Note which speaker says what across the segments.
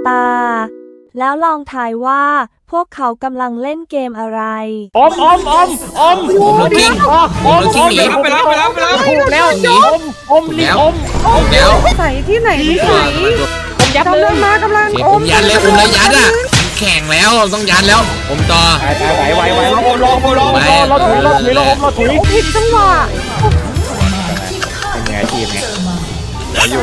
Speaker 1: ตาแล้วลองทายว่าพวกเขากำลังเล่นเกมอะไร
Speaker 2: อมลูกกิ้งหนี
Speaker 3: ไปแล้ว
Speaker 2: ถูกแล้วหนีอม
Speaker 3: แล้ว
Speaker 4: ใส่ที่ไหนไม่ใส่
Speaker 2: ยัดเล
Speaker 4: กำลั
Speaker 2: ย
Speaker 4: งมากำลัง
Speaker 3: ผมยันแล้วผมเลยยัดอ่ะแข่งแล้วต้องยันแล้วผมต่อ
Speaker 2: ไหวเราถุย
Speaker 4: ผิดจังหวะ
Speaker 2: เป็นไงทีมไง
Speaker 3: อยู่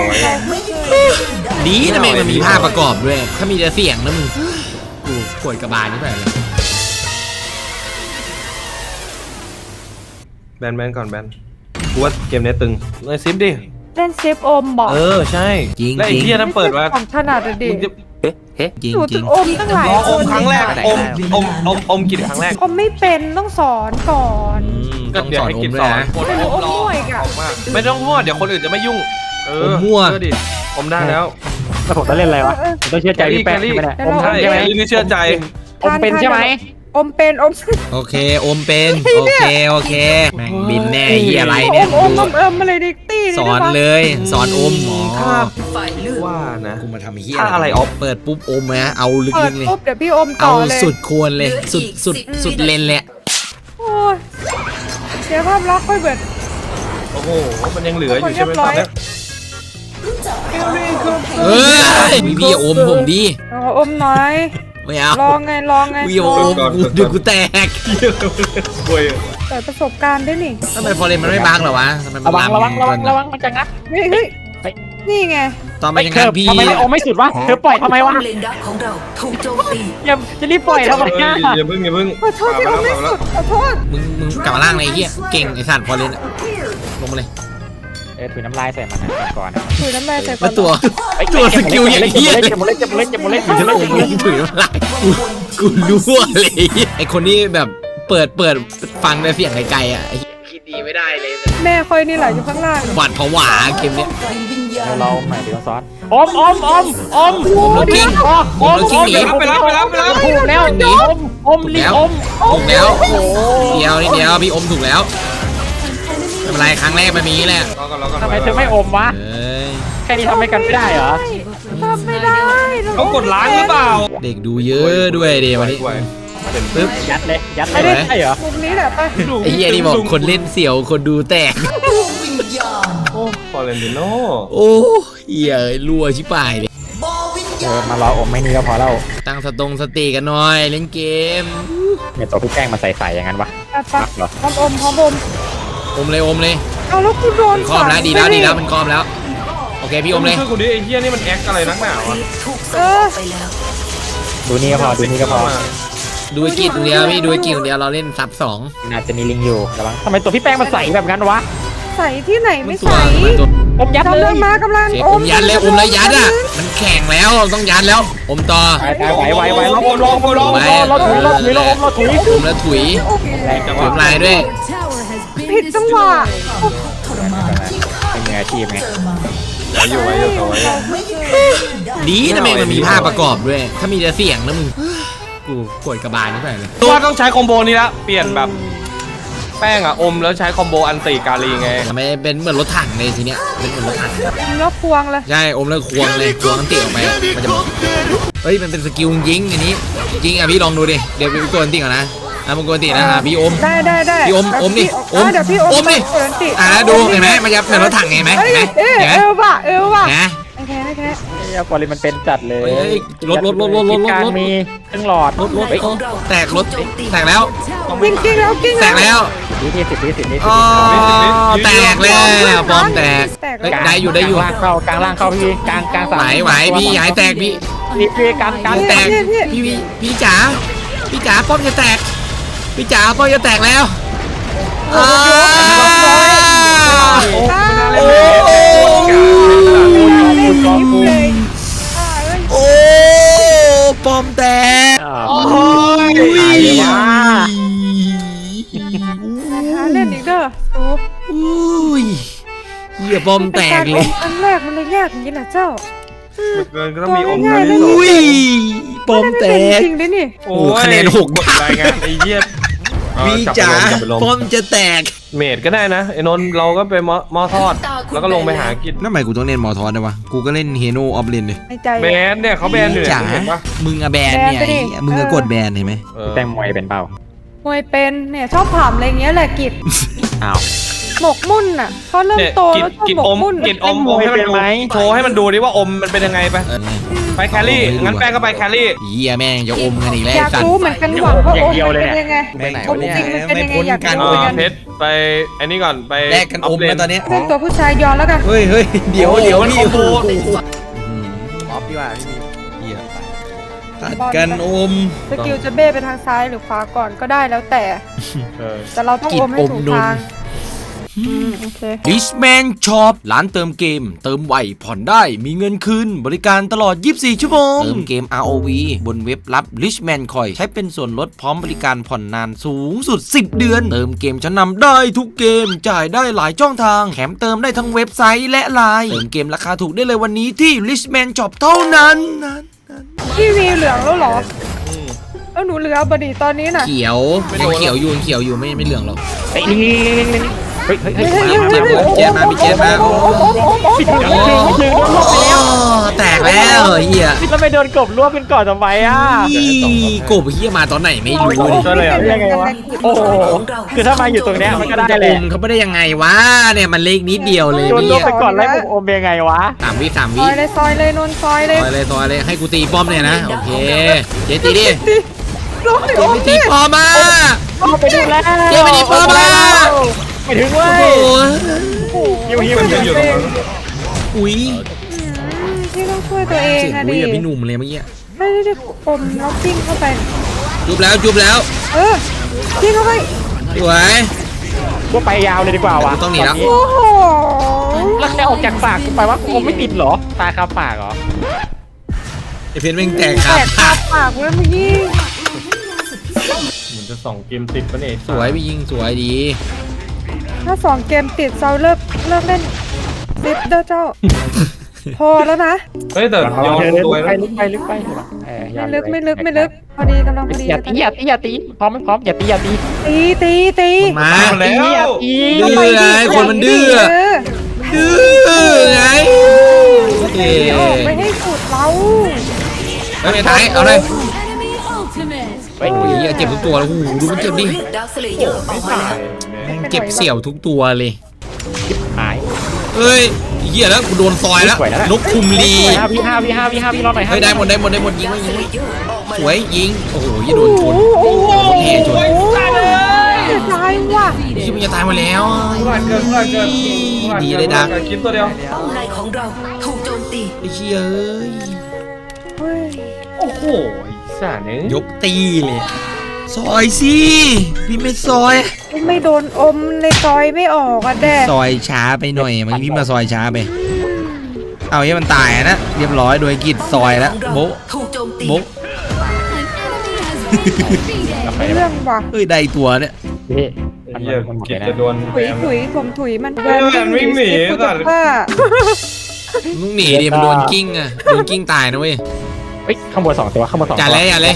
Speaker 3: ดีนะแม่งมันมีภาพประกอบด้วยถ้ามีแต่เสียงนะมึงกูปวดกระบาลนี่ไปเลย
Speaker 5: แบนก่อนแบนกูว่าเกมนี้ตึงเลยซิปดิ
Speaker 4: เล่นเซฟอมบอก
Speaker 5: ใช่
Speaker 3: จริง
Speaker 5: และไอ้เหี้ยนั้นเปิดมา
Speaker 4: ของถนัดเลยดิ
Speaker 3: จริง
Speaker 4: หนู
Speaker 3: จริ
Speaker 4: ถึ
Speaker 3: ง
Speaker 4: งอมตั้งหลาย
Speaker 5: อมครั้งแรกอมกี่ครั้งแรก
Speaker 4: อมไม่เป็นต้องสอนก่อน
Speaker 3: ต้องสอนอมด้วยนะ
Speaker 4: ไม่รู้อมมั่วอีกอ่ะ
Speaker 5: ไม่ต้องพูดเดี๋ยวคนอื่นจะไม่ยุ่ง
Speaker 3: มั่ว
Speaker 5: ดิอมได้แล้ว
Speaker 2: แล้วผมต้องเล่นอะไรวะผมต้องเชื่อใจพี่แป๊ะใช่ไหมเนี่ยอม
Speaker 5: ใช่
Speaker 2: ใช่ไหม
Speaker 5: นี่เชื่อใจ
Speaker 2: อมเป็นใช่ไหม
Speaker 4: อมเป็นอม
Speaker 3: โอเคอมเป็นโอเคแม่งบินแน่เหี้ยอะไรเนี่ย
Speaker 4: อมอะไรดิตี้
Speaker 3: สอนเลยสอนอม
Speaker 5: ครับ ว่านะ
Speaker 3: กูมาทำเหี้ย
Speaker 5: อะไรออฟ
Speaker 3: เปิดปุ๊บอมนะเอาลึ
Speaker 4: เปิด
Speaker 3: กๆเลย
Speaker 4: ปุ๊บเดี๋ยวพี่อมต่
Speaker 3: เอา
Speaker 4: อเลย
Speaker 3: สุดควรเลยสุดเลนเลย
Speaker 4: โอ้ยเสียภาพลักษณ์ค่อยเบิด
Speaker 5: โอ้โหมันยังเหลืออยู่ใช่ไหมตอนนี้
Speaker 3: เฮ้ยพี่อมผมดี
Speaker 4: อมน้อย
Speaker 3: ไม่เอา
Speaker 4: ลองไง
Speaker 3: พี่อมดูกูแตก
Speaker 5: โวย
Speaker 4: เปิดประสบการณ์ได้นี่
Speaker 3: ทำไมฟอร์เรนมันไม่บังเหรอวะทำไมมัน
Speaker 2: ระวังมันจะงัด
Speaker 4: เฮ้ยนี่ไง
Speaker 3: ตอนมันยัง
Speaker 2: เธอ
Speaker 3: พี่
Speaker 2: ทำไมไม่อมไม่สุดวะเธอปล่อยทำไมวะ
Speaker 6: เลนดักของเราถูกโจมตี
Speaker 2: อย่าจะรีบปล่อยทำไมง่าย
Speaker 5: อย่าเพิ่ง
Speaker 4: ขอโทษที่อมไม่สุดขอโทษ
Speaker 3: มึงกลับมาล่างเลยไอ้เหี้ยเก่งไอ้สัตว์ฟอร์เรนลงมาเลย
Speaker 2: ถุยน้ำลายใส่มันก่อน
Speaker 4: ถุยน้ำลายใส่ก่อ
Speaker 3: แล้
Speaker 4: น
Speaker 3: วตัวสกิลอย่างเหี้ย
Speaker 2: เจ็บหมดเลย
Speaker 3: ถือน้ำลายกูรั่วเลยไอ้คนนี้แบบเปิดฟังแต่เสียงไกลๆอ่ะคิดดีไม่ได้เลย
Speaker 4: แม่คอยนี่แหละอยู่ข้างล่าง
Speaker 3: หวาดผวาเกมเนี้ย
Speaker 2: เราใหม่เดี๋ยวซ้อนอม
Speaker 3: ผมลูกกิ้งหนี
Speaker 5: ไปแล้ว
Speaker 2: ถูกแล้วหนีอมรีอม
Speaker 3: ถูกแล้วเดียวนิดเดียวพี่อมถูกแล้วไม่เป็นไรครั้งแรกมันมีแหละ
Speaker 2: ทำไมเธอไม่อมวะ
Speaker 3: เอ้ย
Speaker 2: แค่นี้ทำให้กันไม่ได้เหรอ
Speaker 4: ทำไม่ได้
Speaker 5: เขากดล้างหรือเปล่า
Speaker 3: เด็กดูเยอะด้วยเดี๋ยววันนี้ปึ๊บ
Speaker 2: ยัดเลยไม่ได้เหรอ
Speaker 4: มุมนี้แหละไป
Speaker 3: ไอ้เหี้ยนี่บอกคนเล่นเสี่ยวคนดูแตก
Speaker 5: โอ้ฟอร์เรนติโน่
Speaker 3: โอ้เหี้ยรัวชิบหายเลย
Speaker 2: มารออมไม่นี่ก็พอแล้ว
Speaker 3: ตั้งสติกันหน่อยเล่นเกม
Speaker 2: เนี่ยตัวพี่แป้งมาใส่อย่างนั้นวะ
Speaker 4: ไปพร้อมอม
Speaker 3: อมเลย
Speaker 4: เอาแล้วกูโดน
Speaker 3: คอมแล้วดีแล้วมันคอมแล้วโอเคพี่อมเลย
Speaker 5: ช่วยกูดิไอ้เหี้ยนี่มันแอคอะไรนักหนาวะ
Speaker 6: ถูกส่งไปแล้ว
Speaker 2: ดูนี่ก็พอ
Speaker 3: ดูไอ้กิจเดียวพี่ดูไอ้กิจเดียวเราเล่นซับสอง
Speaker 2: อาจจะมีลิงอยู่ระวังทำไมตัวพี่แป้งมาใส่แบบนั้นวะ
Speaker 4: ใส่ที่ไหนไม่
Speaker 3: ตัว
Speaker 4: ใส่
Speaker 3: ตัว
Speaker 2: อมยัดเลย
Speaker 4: กำลังมากำลัง
Speaker 3: อมยันเลยอมเลยยัดอ่ะมันแข่งแล้วต้องยันแล้วอมต่อ
Speaker 2: ไหวเราถุย
Speaker 3: อมแล้วถุยถุยลายด้วย
Speaker 4: ผิดจังหวะ
Speaker 2: เป็นไงทีมไง
Speaker 5: อยู่ต่อไว้
Speaker 3: ดีนะแม่งมันมีภาพประกอบด้วยถ้ามีแต่เสียงนะมึงกูปวดกระบาลนี่ไปเลย
Speaker 5: ว่าต้องใช้คอมโบนี้ละเปลี่ยนแบบแป้งอะอมแล้วใช้คอมโบอันติกาลีไง
Speaker 3: ทำไมเป็นเหมือนรถถังเลยทีเนี้ยเป็นเหมือนรถถัง
Speaker 4: แล้วควงเลย
Speaker 3: ใช่อมแล้วควงเลยควงอันติออกไปมันจะเฮ้ยมันเป็นสกิลยิงอันนี้ยิงอ่ะพี่ลองดูดิเดี๋ยวพี่กดอันติก่อนนะมึงกดอันตินะพี่อม
Speaker 4: ได้
Speaker 3: พี่อมดิ
Speaker 4: เดี๋ยวพี่อมดิ
Speaker 3: ดูเห็นไหมมันจะเหมือนรถถังเห็นไหม
Speaker 4: เอวว่ะ
Speaker 3: นะ
Speaker 4: โอเค
Speaker 2: ฟอร์เรนมันเป็นจัดเลย
Speaker 3: รถ
Speaker 2: การมีเครื่องหลอด
Speaker 3: แตกรถแตกแล้ว
Speaker 4: กิ้งแล้ว
Speaker 3: แตกแล้ว
Speaker 2: 10 วิ
Speaker 3: อ๋อแตกแล้วปอมแตกได้อยู่
Speaker 2: กลางล่างเข้าพี่กลางสาม
Speaker 3: ไหวพี่หายแตกพี่
Speaker 2: พี่กลาง
Speaker 3: แตกพี่จ๋าป้อมจะแตกพี่จ๋าป้อมจะแตกแล้วโอ้ป้อมแตก
Speaker 2: โอ้ย
Speaker 4: เล่นอีกเด้อ
Speaker 3: อุ้ยเหี้ยป้อมแตกเลย
Speaker 4: อันแรกมันเลยยากอย่างนี้นะเจ้า
Speaker 5: เกินก็ต้องมีอมกันที่สอง
Speaker 3: อุ้ยป้อมแตก
Speaker 4: จริงด้วยนี่
Speaker 3: โอ้คะแนน6
Speaker 5: รายงานไอ้เหี้ย
Speaker 3: พี่จ๋าป้อมจะแตก
Speaker 5: เมดก็ได้นะไอ้นนท์เราก็ไปหม้อทอดแล้วก็ลงไปหากิน
Speaker 3: นั่นหมายกูต้องเล่นมอทอสนะวะกูก็เล่นเฮโนออฟเลนเลย
Speaker 4: ในใจ
Speaker 5: แบนเนี่ยเขาแบนอยู่
Speaker 3: จ๋า
Speaker 5: เห็นปะ
Speaker 3: มึงอะแบนเนี่ย
Speaker 4: แบนไปดิ
Speaker 3: ไอ้เหี้ยมึงก็กดแบนเห็นไหม
Speaker 2: แต่มวยเป็นเปล่าม
Speaker 4: วยเป็นเนี่ยชอบถามอะไรเงี้ยแหละกิจ
Speaker 2: อ้าว
Speaker 4: หมกมุ่นอ่ะเขาเริ่ม
Speaker 5: เนี่ย
Speaker 4: โต
Speaker 5: กิน
Speaker 4: แล้วชอบ
Speaker 5: กิน
Speaker 4: หมก
Speaker 5: อม
Speaker 4: มุ่น
Speaker 5: กินอม
Speaker 2: มวย
Speaker 5: ให้มัน
Speaker 2: เป็น
Speaker 5: ดู
Speaker 2: ไหม
Speaker 5: โชว์ให้มันดูดิว่าอมมันเป็นยังไงไป
Speaker 3: เออ
Speaker 5: ไปแครี่งั้นแป้งก็ไปแครี่
Speaker 3: เหี้ยแม่งจะอมกันอีกแล้ว
Speaker 4: อยาก
Speaker 3: สัต
Speaker 4: รู้
Speaker 3: ว์
Speaker 4: เหมือนกันหวังว่า
Speaker 2: อย่าง
Speaker 4: โอ้
Speaker 2: เดียวเลย
Speaker 4: เป็น
Speaker 2: เนี่ย
Speaker 4: ยังไง
Speaker 3: ไปไหน
Speaker 4: อม
Speaker 3: วะเนี่ย
Speaker 4: จริงมันเป็นยังไง
Speaker 3: ไม่พ้น
Speaker 4: อยาก
Speaker 3: กัน
Speaker 4: รู้เหมือนกัน
Speaker 5: เพชรไปไอ้นี่ก่อนไป
Speaker 3: แลกกันอมแล้วตอนเนี้ย
Speaker 4: เรื่องตัวผู้ชายยอนแล้วกัน
Speaker 3: เฮ้ยเฮ้ยเดี๋ยว
Speaker 5: โอ้โห
Speaker 3: เดี๋ยว
Speaker 5: มัน
Speaker 3: นี่
Speaker 5: คอมโบ
Speaker 2: ออฟดีกว่าพี่
Speaker 3: เหี้ยตัดกันอม
Speaker 4: สกิลจะเบ้ไปทางซ้ายหรือขวาก่อนก็ได้แล้วแต่
Speaker 5: เออ
Speaker 4: แต่เราต้อง
Speaker 3: กิน
Speaker 4: อมให้ถูก
Speaker 3: อมนม
Speaker 4: ทางโอเค
Speaker 3: Richman Shop ร้านเติมเกม เติมไวผ่อนได้มีเงินคืนบริการตลอด 24 ชั่วโมง เติมเกม ROV บนเว็บรับ Richman Coin ใช้เป็นส่วนลดพร้อมบริการผ่อนนานสูงสุด 10 เดือน เติมเกมชั้นนำได้ทุกเกม จ่ายได้หลายช่องทาง แถมเติมได้ทั้งเว็บไซต์และไลน์เติมเกมราคาถูกได้เลยวันนี้ที่ Richman Shop เท่านั้น
Speaker 4: พี่วีเหลืองแล้วเหรอแล้วหนูเหลือบดีตอนนี้น่ะ
Speaker 3: เขียวยังเขียวอยู่ไม่เหลืองหรอก
Speaker 2: เฮ้ยนี่เฮ้ยเฮ้ยเฮ้ย
Speaker 3: เจ็บมาพี่เจ็บมาโอ้แตกแล้วเฮีย
Speaker 2: แล้วไปโดนกบรวบเป็นก่อนทำไมอ่ะ
Speaker 3: กบเฮียมาตอนไหนไม่รู้เลย
Speaker 2: ช่วยเลยอ่ะยังไงวะโอ้โหคือถ้ามาอยู่ตรงเนี้ยมันก็ได้
Speaker 3: จะ
Speaker 2: เล
Speaker 3: อย มเขาไม่ได้ยังไงวะเนี่ยมันเล็กนิดเดียวเลย
Speaker 2: โดนรว
Speaker 3: พี่
Speaker 2: บไปก่อนไล่ผมอมยังไงวะ
Speaker 3: 3 วิ
Speaker 4: ซอยเลยนนท์ซอยเลย
Speaker 3: ซอยเลยให้กูตีป้อมเนี่ยนะโอเคเจ๊ตีดิ
Speaker 4: ร้อง
Speaker 3: เจ๊ไม่ตีป้อมมา
Speaker 2: ไปดูแล้ว
Speaker 3: เจ๊ไม่ตีป้อมมา
Speaker 2: ไปถึงเว้
Speaker 3: โอ้
Speaker 2: ย
Speaker 3: โห
Speaker 2: หิวหิว
Speaker 3: อุ้ย
Speaker 4: พี่ต้องช่วยตัวเอง
Speaker 3: เสียง
Speaker 4: อะ
Speaker 3: อุ้
Speaker 4: ดิ
Speaker 3: ยอะพี่หนุ่มเลยเมื่อกี้
Speaker 4: ไม่ได้อมแล้วปิ้งเข้าไป
Speaker 3: จุบแล้ว
Speaker 4: เออปิ้งเข้าไป
Speaker 3: สวย
Speaker 2: ก็ไปยาวเลยดีกว่าวะ
Speaker 3: ต้องหนีแล้ว
Speaker 4: โอ้โห
Speaker 2: แล้วแค่ออกจากปากกูไปว่าอมไม่ติดเหรอตาคาปากเหรอ
Speaker 3: ไอเพนแม่งแตก
Speaker 4: แต
Speaker 3: ครับ
Speaker 4: กคาปากเลยเมื่อกี้
Speaker 5: เหมือนจะ2 เกมติดปะเนี่ย
Speaker 3: สวยพี่ยิงสวยดี
Speaker 4: ถ้า2 เกมติดเซาเลิกเล่นซิปเด้อเจ้า พอแล้วนะ
Speaker 5: เฮ้ยแต่ยอมตัว
Speaker 2: ไป
Speaker 5: นะ
Speaker 2: ลึกไป
Speaker 4: ไม่ลึกพอดีกำลังพอดี
Speaker 2: อย่าตีพร้อมไม่พร้อมอย่าตี
Speaker 4: ตี
Speaker 3: มา
Speaker 5: แล้ว
Speaker 3: ดื้อไงคนมันดื้อ ดื้อไงเอ๊
Speaker 4: ออกไม่ให้สุดเรา
Speaker 3: ไม่ท้ายเอาเลย
Speaker 2: เฮ้ย
Speaker 3: โอ้ยเจ็บทุกตัวแล้วโอ้โหดูมันเจ็บดิ
Speaker 6: ดาร์คสเลเยอร์ออกมาแล้ว
Speaker 3: แม่งเจ็บเสี่ยวทุกตัวเลย
Speaker 2: หาย
Speaker 3: เฮ้ยเหี้ยแล้วกูโดนซอยแล้ว
Speaker 2: สวยแล้ว
Speaker 3: นกคุมลี
Speaker 2: พี่รอหน่อย
Speaker 3: เฮ้ยได้หมดยิงยิง
Speaker 6: ดาร์คสเลเยอร์ออกมา
Speaker 3: ส
Speaker 6: แล้ว
Speaker 3: วยยิงโอ้โหยี่โดนชน
Speaker 4: โอ้โห
Speaker 3: แห่ชน
Speaker 4: ตายว่ะ
Speaker 3: ยี่มันจะตายมาแล้ว
Speaker 5: พลาดเกิน
Speaker 3: ดีเลยดัก
Speaker 5: กินตัวเดียว
Speaker 6: เป้าในของเราถูกโจมตี
Speaker 3: ไอ้เชี่ยเอ้ย
Speaker 4: เฮ้ย
Speaker 5: โอ้โหไอ้สัตว์เนี่ย
Speaker 3: ยกตีเลยซอยสิพี่ไม่ซอย
Speaker 4: ไม่โดนอมเลยซอยไม่ออกอ่ะแดด
Speaker 3: ซอยช้าไปหน่อยเมื่อกี้พี่มาซอยช้าไป เอาให้มันตายนะเรียบร้อยโดยกิดซอยแล้วโบะ
Speaker 6: ถูกโจมตี
Speaker 3: โบะ
Speaker 4: เรื่องว่ะ
Speaker 3: เฮ้ยได้ตัวเนี่ย
Speaker 2: พี่
Speaker 5: เหี้ยกินจะโดน
Speaker 4: ถุยผมถุยมัน
Speaker 5: เออมันวิ่งหนี
Speaker 4: กู
Speaker 5: สั
Speaker 4: จะ
Speaker 5: ตว์
Speaker 4: ฆ่า
Speaker 3: มึงหนีดิมันโดนกิ้งอะโดนกิ้งตายนะเว้ย
Speaker 2: เฮ้ยข้างบน2 ตัวข้างบน2ตัว
Speaker 3: อย่าเลย
Speaker 4: เรา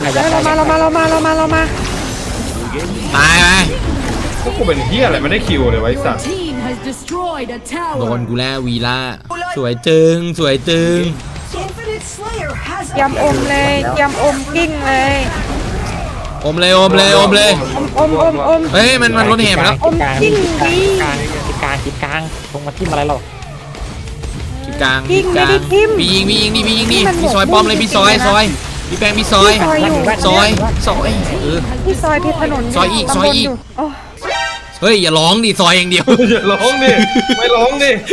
Speaker 4: มา
Speaker 3: ตายไป
Speaker 5: พวกกูเป็นเฮียอะไรไม่ได้คิวเลยไว้สัตว์
Speaker 7: team has destroyed a
Speaker 3: โด
Speaker 7: tower.
Speaker 3: นกูแล้ววีล่าสวยจึงสวยจึง
Speaker 4: ยำอมเลยยำอมกิ้งเลย
Speaker 3: อมเลยอมเลยอมเลย
Speaker 4: อม
Speaker 3: เฮ้ยมันรถแห่ไปแล้ว
Speaker 4: อมกิ้งดี
Speaker 2: กลางลงมาทิ่มอะไรเรา
Speaker 3: จุดกลางพี่ยิงนี่พี่ซอยป้อมเลยพี่ซอยพี่แป้งพี่ซอย
Speaker 4: ซอยอยู่
Speaker 3: ซอยเออ
Speaker 4: ที่ซอยที่ถนน
Speaker 3: ซอยอีก
Speaker 4: ตำบล
Speaker 3: ซอยอีก
Speaker 4: โอ้
Speaker 3: เฮ้ยอย่าร้องดิซอยอย่างเดียว
Speaker 5: อย่าร้องดิไม่ร้องดิ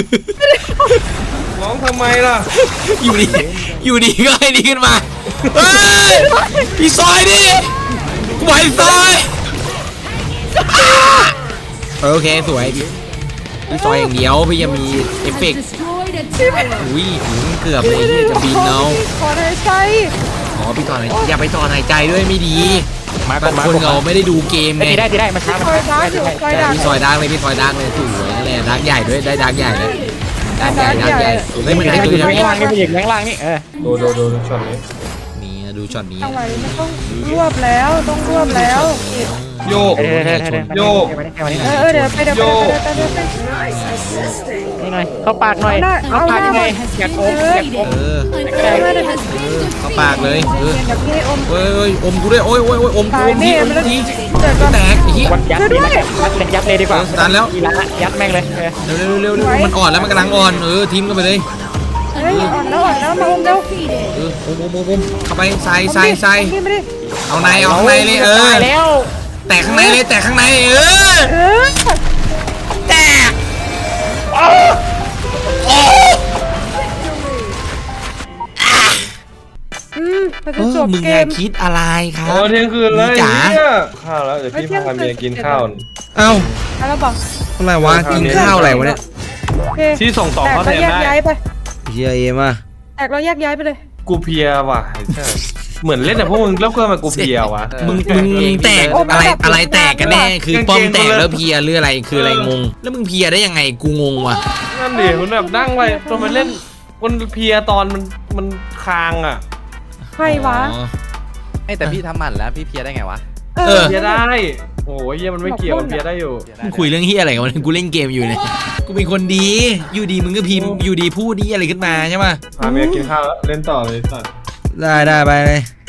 Speaker 5: ร้องทำไมล่ะ
Speaker 3: อยู่ดีก็ให้ดีขึ้นมาเฮ้ยพี่ซอยดิกูไหวซอยโอเคสวยพี่ซอยอย่างเดียวพี่ยังมีเอฟเฟกต์
Speaker 7: Destroyed a tower.
Speaker 3: อุ้ยเกือบเลยที่จะบินเอา
Speaker 4: ขอหายใจ
Speaker 3: อ๋อพี่ถอนอย่าไปถอนหายใจด้วยไม่ดี
Speaker 2: มา
Speaker 3: บางคนเราไม่ได้ดูเกมไง
Speaker 2: ได้มาช้า
Speaker 4: ซอยดักอยู่ซอยดัก
Speaker 3: พี่ซอยดังเลยพี่ซอยดังเลยสวยนั่นแหละดังใหญ่ด้วยได้ดังใหญ่เลยดังใหญ่เฮ้ยมัน
Speaker 2: ให้
Speaker 3: ได้
Speaker 2: มัน
Speaker 3: ตัว
Speaker 2: อยู่
Speaker 3: ใหญ่
Speaker 2: ข้างล่างนี่มันอยู่ข้างล่างนี่
Speaker 5: ดูช็อตนี้
Speaker 3: นี่ดูช็อตนี้
Speaker 4: เอาไว้ไม่ต้องรวบแล้วต้องรวบแล้ว
Speaker 3: เ
Speaker 5: โยก โยก
Speaker 4: เดี๋ยวไปเดี๋ยวไปเดี๋ยวไป
Speaker 2: นี่หน่อยเข้าปากหน่อยเข้าปากยังไงอยากอมอยากอม
Speaker 7: An enemy has been
Speaker 3: เข้าปากเลย
Speaker 7: defeated.
Speaker 4: เดี๋ยวพี่ให้อม
Speaker 3: เฮ้ยอมกูด้วยโอ้ยอมกูอมทีอมที
Speaker 4: เดี๋ยวก่อน
Speaker 3: แตกไอ้เหี้ย
Speaker 2: วัดยัดเลยนะยัดเลยดีกว่า
Speaker 3: ตันแล้ว
Speaker 2: อีละยัดแม่งเลย
Speaker 3: เร็วมันอ่อนแล้วมันกำลังอ่อนทีมกันไปเลย
Speaker 4: เฮ้ยอ่อนแล้วมาอมเร็ว
Speaker 7: Defeated.
Speaker 3: อมเข้าไปใส่
Speaker 4: พี่ไม่ได้
Speaker 3: เอาในเลย
Speaker 2: ตายแล้ว
Speaker 3: แตกข้างในเลยแตกข้างในแตก
Speaker 4: เราจะจบ
Speaker 3: มึง
Speaker 4: เก
Speaker 3: อย่า
Speaker 4: ม
Speaker 3: คิดอะไรครับ
Speaker 5: โอ้เที่ยงคืนเลย
Speaker 3: จ๋า
Speaker 5: เนี่ยข้าวแล้วเดี๋ยวพี่พาเมียกินข้าว
Speaker 3: เอ้า
Speaker 4: แล้วบอก
Speaker 3: อะไรวะกินข้าวอะไรวะเนี่ย
Speaker 4: โอเค
Speaker 5: ที่ส่งต่อ
Speaker 4: แตก
Speaker 5: เขา
Speaker 4: แล้ว
Speaker 5: แทน
Speaker 4: แยก
Speaker 5: ได้
Speaker 4: ย้ายไป
Speaker 3: เฮียเอ็มอ่ะ
Speaker 4: แตกแล้วแยกย้ายไปเลย
Speaker 5: กูเพลียว่ะใช่เหมือนเล่นแต่พวกมึงแล้วเพื่อนมากูเพลียวะ
Speaker 3: มึงแตกอะไรแตกกันแน่คือป้อมแตกแล้วเพียหรืออะไรคืออะไรงงแล้วมึงเพียได้ยังไงกูงงว่ะ
Speaker 5: นั่นดิมันแบบนั่งไปตอนมันเล่นมันเพลียตอนมันคางอ่ะ
Speaker 4: ใครวะ
Speaker 8: แต่พี่ทำหมันแล้วพี่เพลียได้ไงวะ
Speaker 5: เพลียได้โอ้ยเหี้ยมันไม่เกี่ยวมันเพลียได้อยู่
Speaker 3: มึงคุยเรื่องเฮียอะไรกันวะกูเล่นเกมอยู่เนี่ยกูเป็นคนดีอยู่ดีมึงก็พิมพ์อยู่ดีพูดดีอะไรขึ้นมาใช่ไหม
Speaker 5: พาเมียกินข้าวแล้วเล่นต่อเลยสัตว์
Speaker 3: ได้ไปเลย